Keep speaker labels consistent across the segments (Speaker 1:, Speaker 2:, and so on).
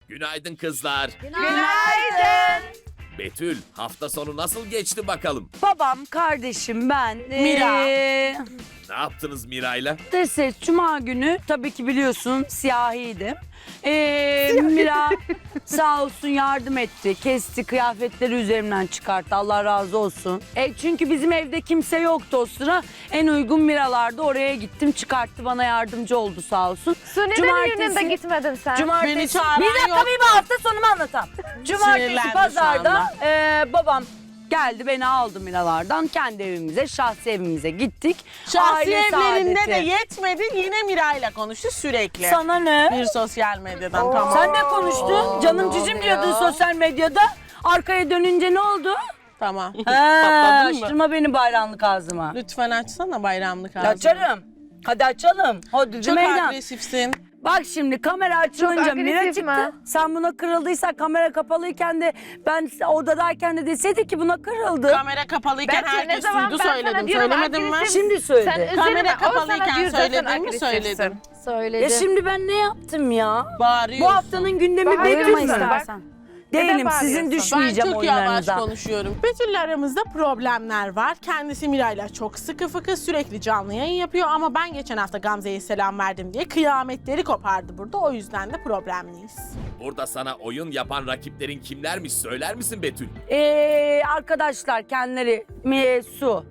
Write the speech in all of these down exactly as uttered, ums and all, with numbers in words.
Speaker 1: Günaydın kızlar.
Speaker 2: Günaydın.
Speaker 1: Betül, hafta sonu nasıl geçti bakalım?
Speaker 2: Babam, kardeşim, ben.
Speaker 3: Mira.
Speaker 2: Ee,
Speaker 1: Ne yaptınız Mira'yla?
Speaker 2: Dese Cuma günü tabii ki biliyorsun siyahiydim. Ee, Mira sağ olsun yardım etti. Kesti, kıyafetleri üzerimden çıkarttı. Allah razı olsun. E, çünkü bizim evde kimse yoktu o sıra. En uygun Miralar'da oraya gittim. Çıkarttı, bana yardımcı oldu sağ olsun.
Speaker 4: Suni'nin yönünde gitmedin sen.
Speaker 2: Cumartesi.
Speaker 3: Beni çağıran
Speaker 2: Bir dakika
Speaker 3: yok.
Speaker 2: bir hafta sonumu anlatam. Cumartesi
Speaker 3: Sinirlendi
Speaker 2: pazarda
Speaker 3: şu
Speaker 2: e, babam geldi beni aldı Miralar'dan. Kendi evimize, şahsi evimize gittik.
Speaker 3: Şahsi
Speaker 2: Aile
Speaker 3: evlerinde
Speaker 2: saadeti.
Speaker 3: de yetmedi, yine Mira'yla konuştu sürekli.
Speaker 2: Sana ne?
Speaker 3: Bir sosyal medyadan tamam.
Speaker 2: Sen ne konuştun? Canım cicim diyordun sosyal medyada. Arkaya dönünce ne oldu?
Speaker 3: Tamam.
Speaker 2: Ha,
Speaker 3: Patladın mı?
Speaker 2: açtırma beni bayramlık ağzıma.
Speaker 3: Lütfen açsana bayramlık ağzını.
Speaker 2: Açarım. Hadi açalım. Hadi
Speaker 3: Çok
Speaker 2: meydan.
Speaker 3: agresifsin.
Speaker 2: Bak şimdi kamera açılınca
Speaker 4: Çok
Speaker 2: Mira
Speaker 4: agresif
Speaker 2: çıktı.
Speaker 4: mi?
Speaker 2: Sen buna kırıldıysa kamera kapalıyken de ben odadayken de deseydi ki buna kırıldı.
Speaker 3: Kamera kapalıyken
Speaker 4: Ben ne
Speaker 3: herkes
Speaker 4: zaman
Speaker 3: duydu
Speaker 4: ben sana
Speaker 3: söyledim.
Speaker 4: diyorum,
Speaker 3: Söylemedim mi?
Speaker 4: agresif-
Speaker 2: Şimdi söyledi.
Speaker 4: Sen üzerine,
Speaker 3: Kamera
Speaker 4: o sana
Speaker 3: kapalıyken
Speaker 4: diyor zaten
Speaker 3: söyledim mi?
Speaker 4: agresifsin.
Speaker 3: Söyledim.
Speaker 4: Söyledi.
Speaker 2: Ya şimdi ben ne yaptım ya?
Speaker 3: Bağırıyorsun.
Speaker 2: Bu haftanın gündemi
Speaker 4: Bağırma
Speaker 2: Betül mü?
Speaker 4: istersen.
Speaker 2: Değilim,
Speaker 4: Neden
Speaker 2: sizin
Speaker 4: bağırıyorsun?
Speaker 3: Ben
Speaker 2: düşmeyeceğim
Speaker 3: çok yavaş
Speaker 2: oyunlarınıza.
Speaker 3: konuşuyorum. Betül'le aramızda problemler var. Kendisi Mira'yla çok sıkı fıkı sürekli canlı yayın yapıyor ama ben geçen hafta Gamze'ye selam verdim diye kıyametleri kopardı burada. O yüzden de problemliyiz.
Speaker 1: Burada sana oyun yapan rakiplerin kimlermiş söyler misin Betül?
Speaker 2: Ee, arkadaşlar kendileri Mi, Su.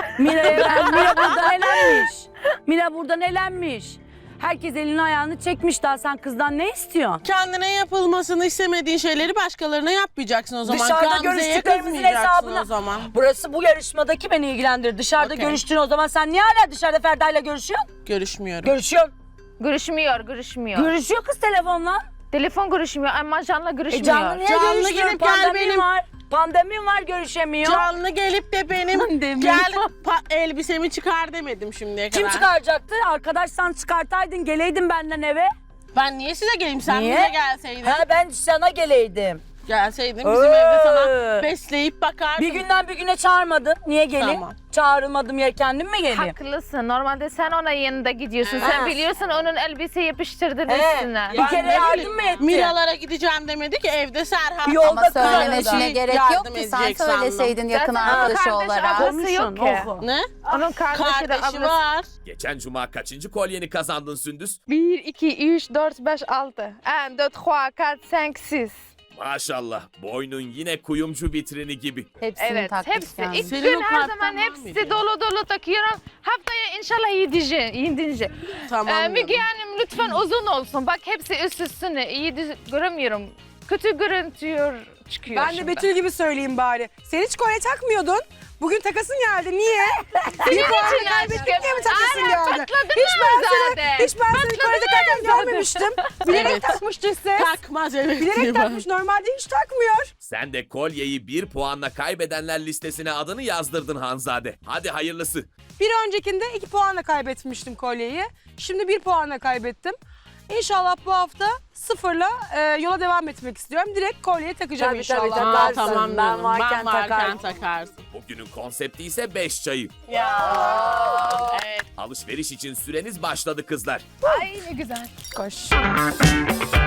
Speaker 2: Mira, Mira buradan elenmiş. Mira buradan elenmiş. Herkes elini ayağını çekmiş, daha sen kızdan ne istiyorsun?
Speaker 3: Kendine yapılmasını istemediğin şeyleri başkalarına yapmayacaksın o zaman.
Speaker 2: Dışarıda
Speaker 3: Gamze'ye
Speaker 2: görüştüklerimizin
Speaker 3: kızmayacaksın
Speaker 2: hesabını.
Speaker 3: o zaman.
Speaker 2: Burası bu yarışmadaki beni ilgilendirir. Dışarıda
Speaker 3: Okey.
Speaker 2: görüştüğün o zaman sen niye hala dışarıda Ferda'yla görüşüyorsun?
Speaker 3: Görüşmüyorum.
Speaker 2: Görüşüyorsun.
Speaker 4: Görüşmüyor, görüşmüyor.
Speaker 2: Görüşüyor kız telefonla.
Speaker 4: Telefon görüşmüyor ama canlı görüşmüyor.
Speaker 2: E canlı niye
Speaker 3: Canlı
Speaker 2: görüşmüyor?
Speaker 3: gelip gel
Speaker 2: Pandemi
Speaker 3: benim-
Speaker 2: var. Pandemi var, görüşemiyor.
Speaker 3: Canlı gelip de benim
Speaker 2: Pandemi.
Speaker 3: gel pa- elbisemi çıkar demedim şimdiye kadar.
Speaker 2: Kim çıkaracaktı? Arkadaşsan çıkartaydın, geleydin benden eve.
Speaker 3: Ben niye size geleyim? Sen
Speaker 2: Niye?
Speaker 3: bize gelseydin.
Speaker 2: Ha ben sana geleydim.
Speaker 3: Gelseydin bizim
Speaker 2: Ee.
Speaker 3: evde sana besleyip bakardın.
Speaker 2: Bir günden bir güne çağırmadın. Niye geleyim?
Speaker 3: Tamam.
Speaker 2: Çağrılmadım yer kendim mi geleyim?
Speaker 4: Haklısın. Normalde sen ona yanında gidiyorsun.
Speaker 2: Ha.
Speaker 4: Sen biliyorsun onun elbise yapıştırdın
Speaker 2: He,
Speaker 4: üstüne.
Speaker 2: bir
Speaker 3: Ben
Speaker 2: kere
Speaker 3: ne
Speaker 2: yardım
Speaker 3: bileyim,
Speaker 2: mı etti?
Speaker 3: Miralara gideceğim demedi ki evde Serhat.
Speaker 2: Yolda
Speaker 5: Ama
Speaker 2: kız
Speaker 5: söylemesine
Speaker 2: arada.
Speaker 5: gerek
Speaker 3: Yardım
Speaker 5: yok ki sen
Speaker 3: edecek sandım.
Speaker 5: söyleseydin yakın
Speaker 4: Zaten
Speaker 5: arkadaşı
Speaker 4: kardeş
Speaker 5: olarak.
Speaker 4: ablası
Speaker 2: Konuşun,
Speaker 4: yok ki.
Speaker 2: oku.
Speaker 3: Ne?
Speaker 4: Onun kardeşi de
Speaker 3: Kardeşi
Speaker 4: ablası.
Speaker 3: var.
Speaker 1: Geçen cuma kaçıncı kolyeni kazandın Sündüz?
Speaker 6: bir, iki, üç, dört, beş, altı. un, deux, trois, quatre, cinq, six.
Speaker 1: Maşallah, boynun yine kuyumcu vitrini gibi.
Speaker 5: Hepsini
Speaker 4: Evet,
Speaker 5: takmış
Speaker 4: hepsi.
Speaker 5: yani.
Speaker 4: İlk
Speaker 3: Senin
Speaker 4: gün
Speaker 3: o
Speaker 4: her
Speaker 3: karttan
Speaker 4: zaman
Speaker 3: var
Speaker 4: hepsi
Speaker 3: mıydı?
Speaker 4: dolu dolu takıyorum. Haftaya inşallah yedinci. yedinci.
Speaker 3: Tamam.
Speaker 4: Ee,
Speaker 3: canım.
Speaker 4: Müge Hanım lütfen uzun olsun. Bak hepsi üst üstüne. İyi düz- göremiyorum. Kötü görüntüyor çıkıyor
Speaker 7: Ben de
Speaker 4: şimdi.
Speaker 7: Betül gibi söyleyeyim bari. Sen hiç kolye takmıyordun. Bugün takasın geldi. Niye? Bir puanı
Speaker 4: için
Speaker 7: kaybettik
Speaker 4: aşkım.
Speaker 7: diye mi takasın
Speaker 4: Aynen,
Speaker 7: geldi?
Speaker 4: patladın
Speaker 7: Hiç ben seni,
Speaker 4: zaten.
Speaker 7: hiç ben seni kolye takarken görmemiştim. Bilerek
Speaker 3: Evet.
Speaker 7: takmıştı ses.
Speaker 3: Takmaz evet.
Speaker 7: Bilerek
Speaker 3: diye
Speaker 7: takmış. Normalde hiç takmıyor.
Speaker 1: Sen de kolyeyi bir puanla kaybedenler listesine adını yazdırdın Hanzade. Hadi hayırlısı.
Speaker 7: Bir öncekinde iki puanla kaybetmiştim kolyeyi. Şimdi bir puanla kaybettim. İnşallah bu hafta sıfırla e, yola devam etmek istiyorum. Direkt kolyeyi takacağım
Speaker 2: Tabii,
Speaker 7: inşallah.
Speaker 2: tabii,
Speaker 3: Aa,
Speaker 2: Takarsın,
Speaker 3: tamam
Speaker 2: ben
Speaker 3: canım.
Speaker 2: varken
Speaker 3: ben varken
Speaker 2: takarım.
Speaker 3: takarsın.
Speaker 1: Bugünün konsepti ise beş çayı.
Speaker 3: Ya. Evet.
Speaker 1: Alışveriş için süreniz başladı kızlar.
Speaker 6: Ay ne güzel.
Speaker 7: Koş.